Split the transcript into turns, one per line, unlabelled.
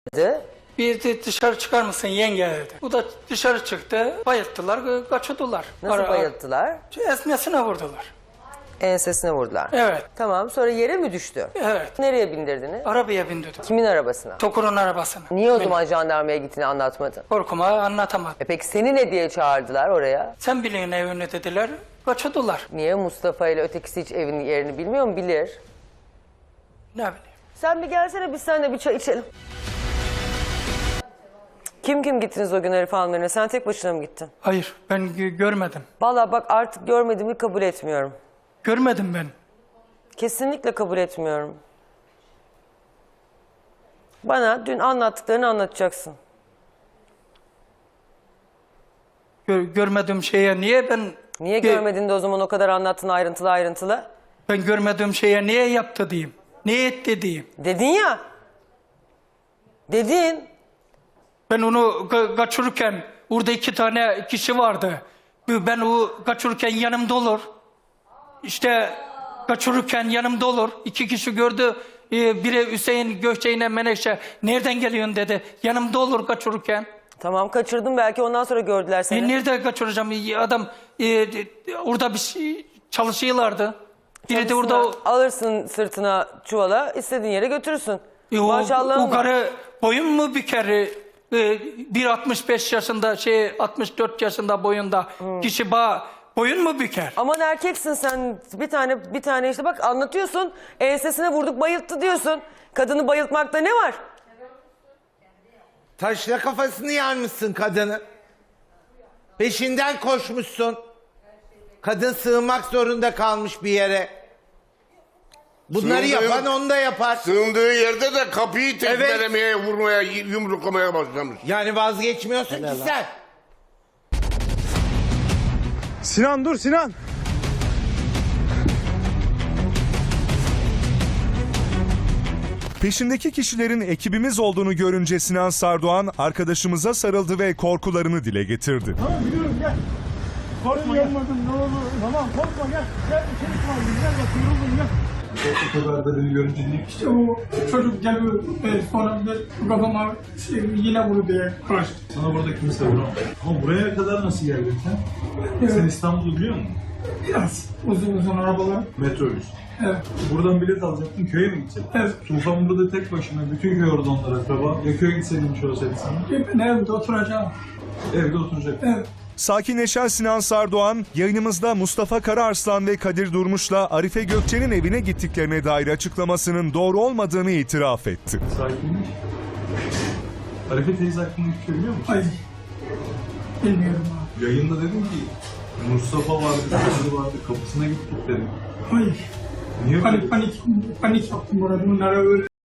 Bir de dışarı çıkar mısın yenge dedi. Bu da dışarı çıktı. Bayılttılar, kaçırdılar.
Nasıl bayılttılar?
Esnesine vurdular.
Ensesine vurdular.
Evet.
Tamam, sonra yere mi düştü?
Evet.
Nereye bindirdiniz?
Arabaya bindirdim.
Kimin arabasına?
Tokur'un arabasına.
Niye o zaman jandarmaya gittiğini anlatmadın?
Korkuma anlatamadım.
Peki seni ne diye çağırdılar oraya?
Sen bilin evini dediler. Kaçırdılar.
Niye Mustafa ile ötekisi hiç evin yerini bilmiyor mu? Bilir.
Ne bileyim.
Sen bir gelsene, biz seninle bir çay içelim. Kim gittiniz o gün Arif Hanım'la? Sen tek başına mı gittin?
Hayır ben görmedim.
Vallahi bak, artık görmediğimi kabul etmiyorum.
Görmedim ben.
Kesinlikle kabul etmiyorum. Bana dün anlattıklarını anlatacaksın.
Görmediğim şeye niye ben...
Niye görmedin de o zaman o kadar anlattın ayrıntılı ayrıntılı?
Ben görmediğim şeye niye yaptı diyeyim. Niye etti diyeyim.
Dedin ya. Dedin.
Ben onu kaçırırken orada 2 tane kişi vardı. Ben o kaçırırken yanımda olur. İşte kaçırırken yanımda olur. 2 kişi gördü. Biri Hüseyin Gökçe'yle Menekşe nereden geliyorsun dedi. Yanımda olur kaçırırken.
Tamam, kaçırdın, belki ondan sonra gördüler seni.
Nerede kaçıracağım? Adam orada bir şey çalışıyorlardı. Biri de orada...
Alırsın sırtına çuvala, istediğin yere götürürsün. Maşallahım
o karı boyun mu büker? 1.65 yaşında 64 yaşında boyunda kişi boyun mu büker?
Aman erkeksin sen, bir tane işte bak anlatıyorsun, ensesine vurduk bayılttı diyorsun. Kadını bayıltmakta ne var?
Taşla kafasını yarmışsın kadını. Peşinden koşmuşsun. Kadın sığınmak zorunda kalmış bir yere. Bunları yapan onu da yapar.
Sığındığı yerde de kapıyı tekmelemeye, vurmaya, yumruklamaya başlamış.
Yani vazgeçmiyorsun ki sen.
Sinan dur Sinan.
Peşindeki kişilerin ekibimiz olduğunu görünce Sinan Sardoğan arkadaşımıza sarıldı ve korkularını dile getirdi.
Tamam biliyorum, gel. Korkma, yapmadım ne olur. Tamam korkma, gel. Gel içeri kaldım, gel bak yoruldum, gel. O kadar da beni görünce değil.
İşte o çocuk geliyor sonra kafama yine vurdu diye karşı.
Sana burada kimse vuramaz. Ama buraya kadar nasıl geldin sen? Sen İstanbul'u biliyor musun?
Biraz uzun arabalar.
Metrobüs.
Evet.
Buradan bilet alacaktın, köye mi gidecektin?
Evet.
Tufan burada tek başına, bütün köy orada onlara akraba. Ya köye gitseydin şey olsaydı sana?
Ben evde oturacağım.
Evde oturacaktın.
Evet.
Sakinleşen Sinan Sardoğan, yayınımızda Mustafa Karaarslan ve Kadir Durmuş'la Arife Gökçe'nin evine gittiklerine dair açıklamasının doğru olmadığını itiraf etti.
Sakinmiş. Arife teyze hakkında hiçbir şey biliyor musun?
Hayır. Bilmiyorum abi.
Yayında dedim ki Mustafa vardı, Kadir vardı, kapısına gittik dedim.
Hayır.
Niye böyle?
Panik yaptım burada. Bunlara öyle